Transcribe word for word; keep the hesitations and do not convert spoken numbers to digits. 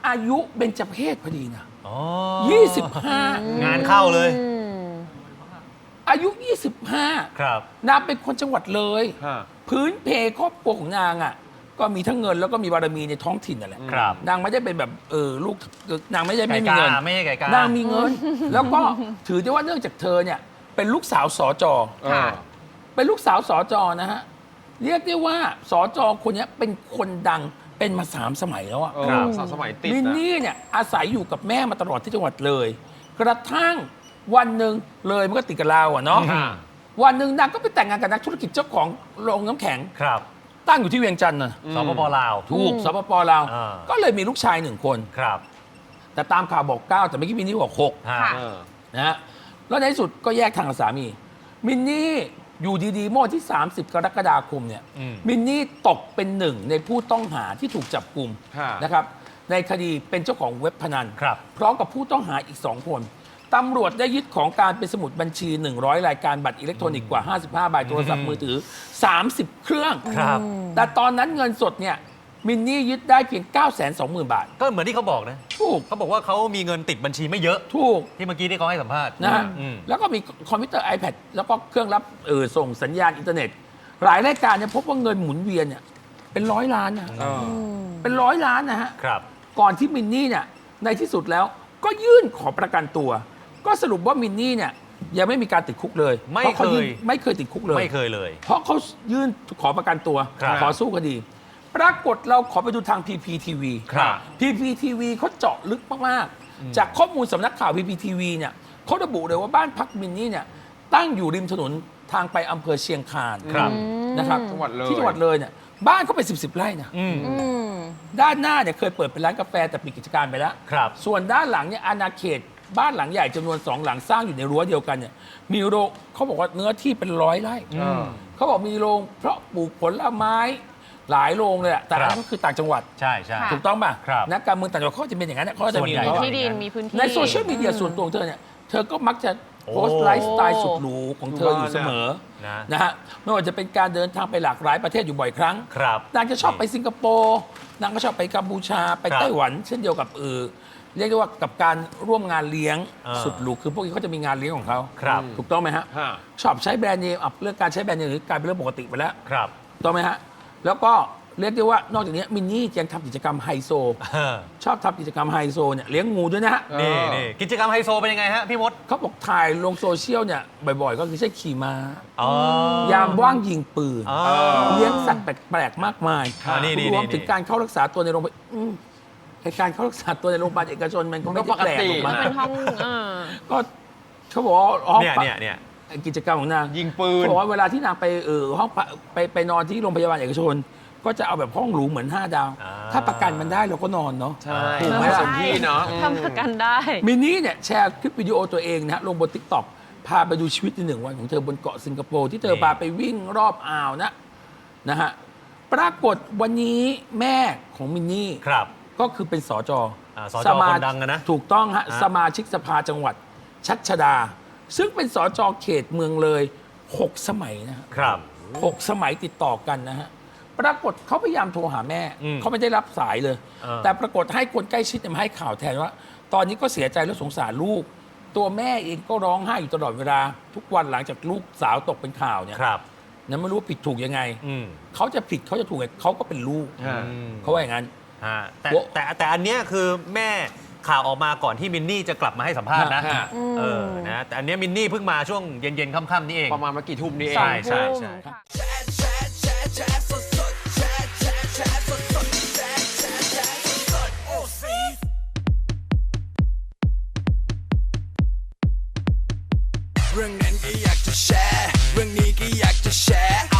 อายุเบญจเพศพอดีนะยี่สิบห้างานเข้าเลยอายุยี่สิบห้าครับนางเป็นคนจังหวัดเลยพื้นเพครอบครัวของนางอ่ะก็มีทั้งเงินแล้วก็มีบารมีในท้องถิ่นนั่นแหละนางไม่ได้เป็นแบบเออลูกนางไม่ได้ไม่มีเงินไม่ใช่ไก่กานางมีเงินแล้วก็ถือได้ว่าเนื่องจากเธอเนี่ยเป็นลูกสาวสจเป็นลูกสาวสจนะฮะเรียกได้ว่าสจคนนี้เป็นคนดังเป็นมาสามสมัยแล้วอ่ะสามสมัยติดมินนี่เนี่ยอาศัยอยู่กับแม่มาตลอดที่จังหวัดเลยกระทั่งวันหนึ่งเลยมันก็ติดกับเราอ่ะเนาะวันหนึ่งนางก็ไปแต่งงานกับนักธุรกิจเจ้าของโรงน้ำแข็งครับตั้งอยู่ที่เวียงจันทร์นะสปปลาวถูกสปปลาวก็เลยมีลูกชายหนึ่งคนครับแต่ตามข่าวบอกเก้าแต่เมื่อกี้มินนี่บอกหกนะฮะแล้วในที่สุดก็แยกทางกับสามีมินนี่อยู่ดีๆเมื่อวันที่สามสิบกรกฎาคมเนี่ยมินนี่ตกเป็นหนึ่งในผู้ต้องหาที่ถูกจับกุมนะครับในคดีเป็นเจ้าของเว็บพนันพร้อมกับผู้ต้องหาอีกสองคนตำรวจได้ยึดของกลางเป็นสมุดบัญชีหนึ่งร้อยรายการบัตรอิเล็กทรอนิกส์กว่าห้าสิบห้าใบโทรศัพท์มือถือสามสิบเครื่องแต่ตอนนั้นเงินสดเนี่ยมินนี่ยึดได้เพียง เก้าแสนสองหมื่น บาทก็เหมือนที่เขาบอกนะถูกเขาบอกว่าเขามีเงินติดบัญชีไม่เยอะถูกที่เมื่อกี้ที่เขาให้สัมภาษณ์นะฮะแล้วก็มีคอมพิวเตอร์ iPad แล้วก็เครื่องรับเออส่งสัญญาณอินเทอร์เน็ตหลายรายการเนี่ยพบว่าเงินหมุนเวียนเนี่ยเป็นร้อยล้านนะเป็นร้อยล้านนะฮะก่อนที่มินนี่เนี่ยในที่สุดแล้วก็ยื่นขอประกันตัวก็สรุปว่ามินนี่เนี่ยยังไม่มีการติดคุกเลยไม่เคยไม่เคยติดคุกเลยไม่เคยเลยเพราะเขายื่นขอประกันตัวขอสู้คดีปรากฏเราขอไปดูทาง พี พี ที วี พี พี ที วี เขาเจาะลึกมากๆจากข้อมูลสำนักข่าว พี พี ที วี เนี่ยเขาระบุเลยว่าบ้านพักมินนี่เนี่ยตั้งอยู่ริมถนนทางไปอำเภอเชียงคานนะครับที่จังหวัดเลยเนี่ยบ้านเขาเป็นสิบสิบไร่นะด้านหน้าเนี่ยเคยเปิดเป็นร้านกาแฟแต่ปิดกิจการไปแล้วส่วนด้านหลังเนี่ยอาณาเขตบ้านหลังใหญ่จำนวนสองหลังสร้างอยู่ในรั้วเดียวกันเนี่ยมีโรงเขาบอกว่าเนื้อที่เป็นร้อยไร่เขาบอกมีโรงเพราะปลูกผลไม้หลายโรงเลยอะแต่อันนั้นก็คือต่างจังหวัดใช่ใช่ถูกต้องป่ะนักการเมืองต่างจังหวัดเขาจะเป็นอย่างนั้นเขาจะมีที่ดินมีพื้นที่ในโซเชียลมีเดียส่วนตัวของเธอเนี่ยเธอก็มักจะโพสต์ไลฟ์สไตล์สุดหรูของเธออยู่เสมอนะฮะไม่ว่าจะเป็นการเดินทางไปหลากหลายประเทศอยู่บ่อยครั้งนางจะชอบไปสิงคโปร์นางก็ชอบไปกัมพูชาไปไต้หวันเช่นเดียวกับเออเรียกได้ว่ากับการร่วมงานเลี้ยงสุดหรูคือพวกนี้เขาจะมีงานเลี้ยงของเขาถูกต้องไหมฮะชอบใช้แบรนด์เนมเรื่องการใช้แบรนด์เนมกลายเป็นเรื่องปกติไปแล้วถูกต้องไหมฮะแล้วก็เรียกได้ว่านอกจากนี้มินนี่ยังทำกิจกรรมไฮโซชอบทำกิจกรรมไฮโซเนี่ยเลี้ยงงูด้วยนะฮะนี่นี่กิจกรรมไฮโซเป็นยังไงฮะพี่มดเขาบอกถ่ายลงโซเชียลเนี่ยบ่อยๆก็คือใช้ขี่ม้ายามว่างยิงปืนเลี้ยงสัตว์แปลกๆมากมายรวมถึงการเข้ารักษาตัวในโรงพยาบาลการเข้ารักษาตัวในโรงพยาบาลเอกชนมันก็ไม่แปลกหรอกมั้งเป็นห้องก็เขาบอกว่าเนี่ยเนี่ยเนี่ยกิจกรรมของนางยิงปืนเขาบอกว่าเวลาที่นางไปเออห้องไปไปนอนที่โรงพยาบาลเอกชนก็จะเอาแบบห้องหรูเหมือนห้าดาวถ้าประกันมันได้เราก็นอนเนาะใช่ถูกไหมสมที่เนาะทำประกันได้มินนี่เนี่ยแชร์คลิปวิดีโอตัวเองนะลงบน ติ๊กต็อก พาไปดูชีวิตในหนึ่งวันของเธอบนเกาะสิงคโปร์ที่เธอพาไปวิ่งรอบอ่าวนะนะฮะปรากฏวันนี้แม่ของมินนี่ก็คือเป็นสจสมาดังนะถูกต้องฮะสมาชิกสภาจังหวัดชัชดาซึ่งเป็นสจเขตเมืองเลยหกสมัยนะครับหกสมัยติดต่อกันนะฮะปรากฏเขาพยายามโทรหาแม่เขาไม่ได้รับสายเลยแต่ปรากฏให้คนใกล้ชิดมาให้ข่าวแทนว่าตอนนี้ก็เสียใจและสงสารลูกตัวแม่เองก็ร้องไห้อยู่ตลอดเวลาทุกวันหลังจากลูกสาวตกเป็นข่าวเนี่ยนั้นไม่รู้ผิดถูกยังไงเขาจะผิดเขาจะถูกเขาก็เป็นลูกเขาว่าอย่างนั้นแต่แต่แต่อันเนี้ยคือแม่ข่าวออกมาก่อนที่มินนี่จะกลับมาให้สัมภาษณ์นะเออนะแต่อันนี้มินนี่เพิ่งมาช่วงเย็นๆค่ำๆนี่เองประมาณเมื่อกี่ทุ่มนี่เองใช่ใช่ใช่เรื่องนั้นก็อยากจะแชร์เรื่องนี้ก็อยากจะแชร์